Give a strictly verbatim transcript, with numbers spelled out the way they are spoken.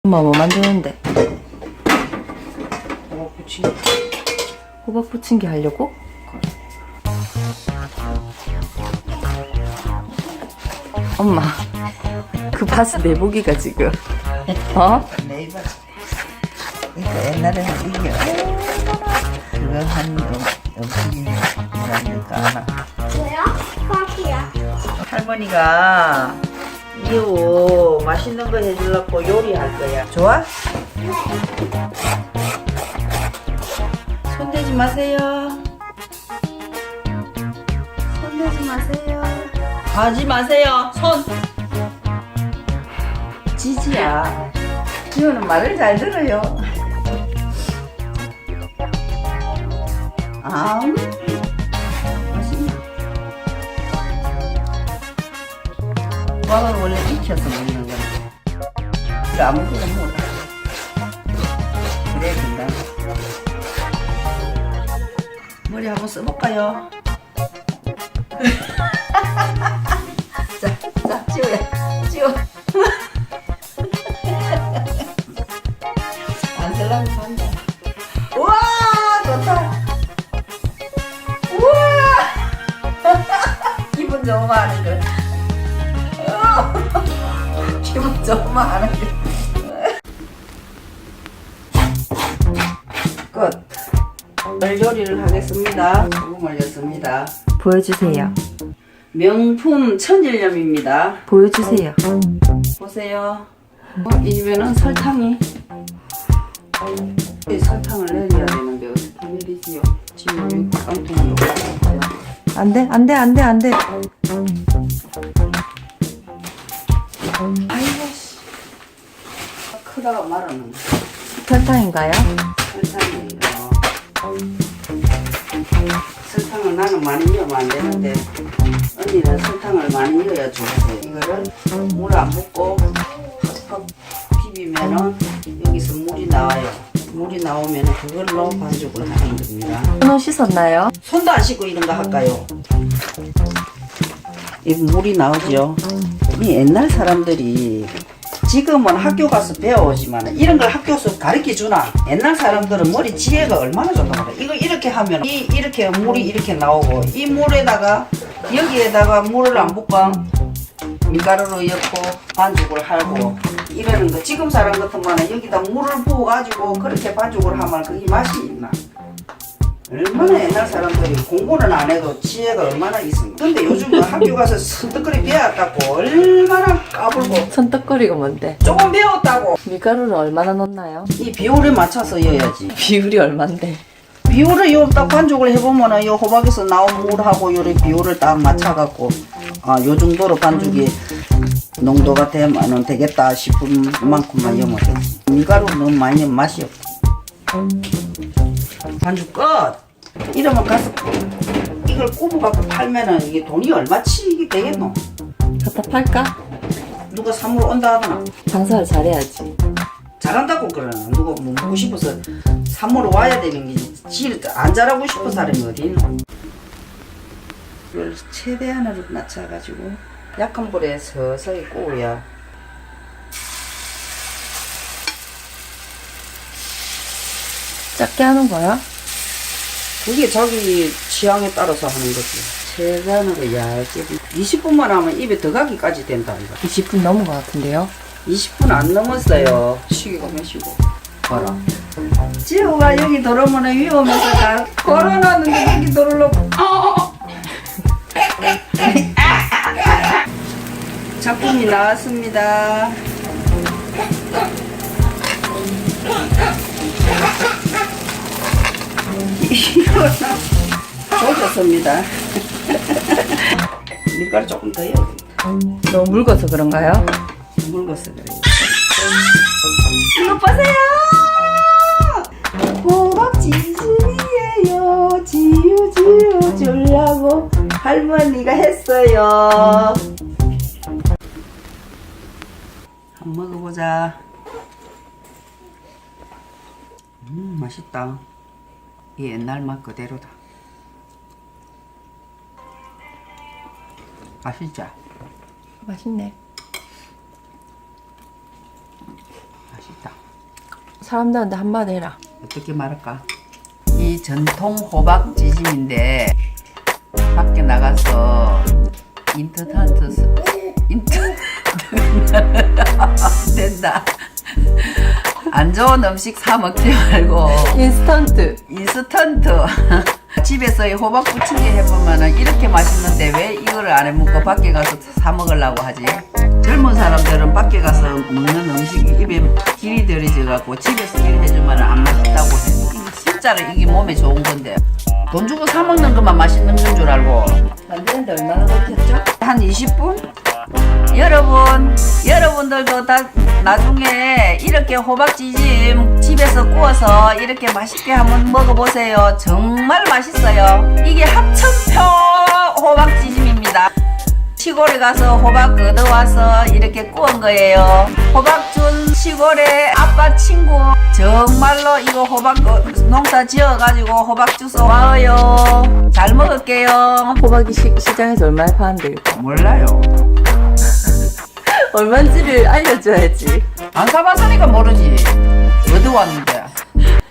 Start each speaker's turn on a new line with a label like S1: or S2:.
S1: 엄마 뭐 만드는데?
S2: 호박 부침개.
S1: 호박 부침개 하려고? 엄마 그 바스 내복이가 지금 어?
S2: 네이버. 그러니까 옛날에는 이게 그거 한 음식이라니까 아나.
S3: 뭐야? 커피야.
S2: 할머니가 이후 맛있는 거 해주려고 요리할 거야. 좋아?
S3: 네.
S2: 손대지 마세요. 손대지 마세요. 하지 마세요. 손. 지지야. 지호는 말을 잘 들어요. 아, 맛있네. 호박은 원래 익혀서 먹는 거야. 이거 아무거나 먹어. 그래 된다. 머리 한번 써볼까요? 자, 자, 지호야, 지호. 안 쓸라면 산다. 우와, 좋다. 우와, 기분 좋으면 하는 거. 기분 좋으면 하는 거. 끝. 오늘 요리를 하겠습니다. 소금 올렸습니다.
S1: 보여주세요.
S2: 명품 천일염입니다.
S1: 보여주세요.
S2: 보세요. 어, 이면은 설탕이 이 설탕을 내려야 되는데 어떻게 내리지요? 지금 여기 깡통이 없어요.
S1: 안돼 안돼 안돼 안돼.
S2: 아이고 씨. 크다가 말하는
S1: 설탕인가요?
S2: 설탕이에요. 설탕을 나는 많이 넣으면 안 되는데 언니는 설탕을 많이 넣어야 좋아해요. 이거를 물 안 붓고 팍팍 비비면은 여기서 물이 나와요. 물이 나오면 그걸로 반죽을 하는 겁니다.
S1: 손 씻었나요?
S2: 손도 안 씻고 이런 거 할까요? 이 물이 나오죠. 이 옛날 사람들이 지금은 학교 가서 배워오지만 이런 걸 학교에서 가르쳐 주나? 옛날 사람들은 머리 지혜가 얼마나 좋단 말이야. 이거 이렇게 하면 이 이렇게 물이 이렇게 나오고 이 물에다가 여기에다가 물을 안 붓고 밀가루로 엮고 반죽을 하고 이러는 거. 지금 사람 같으면 여기다 물을 부어가지고 그렇게 반죽을 하면 그게 맛이 있나? 얼마나 옛날 사람들이 공부는 안 해도 지혜가 얼마나 있습니까? 근데 요즘은 학교 가서 선뜻거리 배웠다고 얼마나 까불고
S1: 손떡거리가 뭔데?
S2: 조금 배웠다고
S1: 밀가루를 얼마나 넣나요?
S2: 이 비율에 맞춰서 넣어야지.
S1: 비율이 얼만데?
S2: 비율을 요 딱 반죽을 해보면은 요 호박에서 나온 물하고 요리 비율을 딱 맞춰갖고 아 요 정도로 반죽이 농도가 되면은 되겠다 싶은 만큼만 넣으면 돼. 밀가루 너무 많이 넣으면 맛이 없어. 반죽 끝! 이러면 가서 이걸 굽어갖고 팔면은 이게 돈이 얼마치 되겠노?
S1: 갖다 팔까?
S2: 누가 사물 온다 하더나?
S1: 장사를 잘해야지.
S2: 잘한다고 그러나? 누가 뭐 먹고 싶어서 사물 와야 되는 게지 안 잘하고 싶은 사람이 어디 있노? 이걸 최대한으로 낮춰가지고 약한 불에 서서히 구워야
S1: 작게 하는 거야?
S2: 그게 자기 취향에 따라서 하는 거지. 최대한으로 얇게 이십 분만 하면 입에 들어가기까지 된다 이거.
S1: 이십 분 넘은 것 같은데요?
S2: 이십 분 안 넘었어요. 시계가 몇시고 봐라. 지호가 여기 들어오면 위험해서 다 걸어놨는데 여기 들어오려고 작품이 나왔습니다. 이거는 조졌습니다. 밀가루 조금 더 해야 됩니다.
S1: 너무 묽어서 그런가요?
S2: 묽어서 그래요. 이거 보세요! 호박 지순이에요. 지우 지우 주려고 할머니가 했어요. 한번 먹어보자. 음 맛있다. 이 옛날 맛 그대로다. 맛있죠?
S1: 맛있네.
S2: 맛있죠?
S1: 사람들한테 한마디 해라.
S2: 어떻게 말할까? 이 전통 호박 찌짐인데 밖에 나가서 인터넷 인터넷 된다. 안 좋은 음식 사 먹지 말고
S1: 인스턴트.
S2: 인스턴트 집에서 이 호박 부침개 해보면은 이렇게 맛있는데 왜 이거를 안 해먹고 밖에 가서 사 먹으려고 하지? 젊은 사람들은 밖에 가서 먹는 음식이 입에 길이 들이져갖고 집에서 일 해주면 안 맛있다고 해. 이게 진짜로 이게 몸에 좋은 건데 돈 주고 사 먹는 것만 맛있는 건 줄 알고
S1: 만드는데 얼마나 걸렸죠?
S2: 한 이십 분? 여러분, 여러분들도 다 나중에 이렇게 호박찌짐 집에서 구워서 이렇게 맛있게 한번 먹어보세요. 정말 맛있어요. 이게 합천표 호박찌짐입니다. 시골에 가서 호박 걷어와서 이렇게 구운 거예요. 호박 준 시골의 아빠 친구 정말로 이거 호박 농사 지어가지고 호박 주워 와요. 잘 먹을게요.
S1: 호박이 시, 시장에서 얼마에 파는데요?
S2: 몰라요.
S1: 얼마인지를 알려줘야지.
S2: 안 사봤으니까 모르지. 어디 왔는데.